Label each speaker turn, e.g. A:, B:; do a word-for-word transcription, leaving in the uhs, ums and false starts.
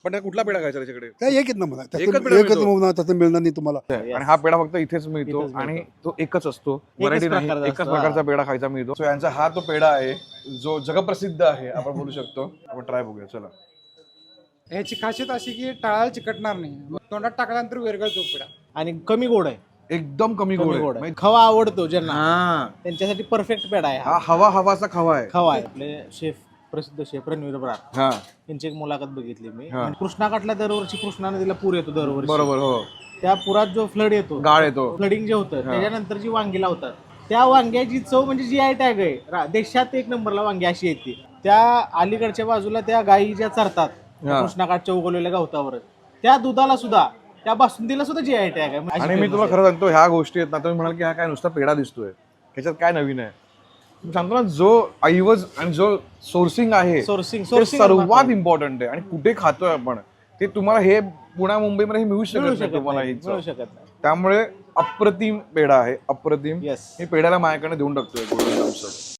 A: पण त्या कुठला पेढा खायचा त्याच्याकडे?
B: काय एकच ना मला
A: एकच
B: त्याचं
A: पेढा
B: एकच
A: मिळतो?
B: मिळणार तसं मिळणार नाही तुम्हाला.
A: आणि हा पेढा फक्त इथेच मिळतो
C: इथेच
A: आणि
C: मिळतो.
A: तो एकच असतो, व्हरायटी नाही,
C: प्रकारचा
A: एकच
C: असतो,
A: प्रकारचा
C: हा.
A: पेढा खायचा मिळतो. सो यांचा हा तो पेढा आहे जो जगप्रसिद्ध आहे आपण बोलू शकतो. आपण ट्राय बघूया चला.
D: ह्याची खासियत अशी की टाळाला चिकटणार नाही, तोंडात टाकल्यानंतर विरघळतो पेढा.
C: आणि कमी गोड आहे.
A: एकदम कमी
C: कमी
A: गोड
C: गोड
A: आहे.
C: आहे. खवा आवडतो ज्यांना
A: हा
C: त्यांच्यासाठी परफेक्ट पेढा आहे
A: हा
C: हा.
A: हवा हवाचा खवा आहे.
C: खवा आहे. आपले शेफ प्रसिद्ध शेफ रणवीर ब्रार
A: हा
C: यांची एक मुलाखत बघितली मी.
A: हा.
C: आणि कृष्णाकाठला दरवर्षी कृष्णा नदीला पूर येतो दरवर्षी.
A: बरोबर हो.
C: त्या पुरात जो फ्लड येतो,
A: गाळ येतो.
C: फ्लडिंग जे होतं त्याच्यानंतर जी वांगी लावतात त्या वांग्याची चव म्हणजे जी आय टॅग आहे रा- देशात एक नंबरला वांगी अशी येते. त्या अलीकडच्या बाजूला त्या गायी ज्या चरतात
A: हा.
C: कृष्णाकाठच्या उगवलेल्या गवतावर त्या दुधाला सुद्धा त्या बासुंदीला सुद्धा जी आय टॅग आहे. अशी
A: आणि मी
C: famous
A: तुम्हाला
C: आहे.
A: खरं सांगतो ह्या गोष्टी आहेत ना, तुम्ही म्हणाल की हा काय नुसता पेढा दिसतोय, ह्याच्यात काय नवीन आहे. मी सांगतो ना, जो ऐवज आणि जो सोर्सिंग आहे
C: सोर्सिंग
A: ते
C: सोर्सिंग
A: सर्वात इम्पॉर्टंट आहे. आणि कुठे खातोय आपण ते तुम्हाला हे पुण्या मुंबईमध्ये हे मिळू
C: मिळू
A: शकत नाही
C: शकत
A: तुम्हाला
C: नाही,
A: ही चव.
C: मिळू शकत नाही.
A: त्यामुळे अप्रतिम पेढा आहे, अप्रतिम.
C: Yes.
A: मी पेढ्याला माझ्याकडे देऊन टाकतोय golden thumbs up.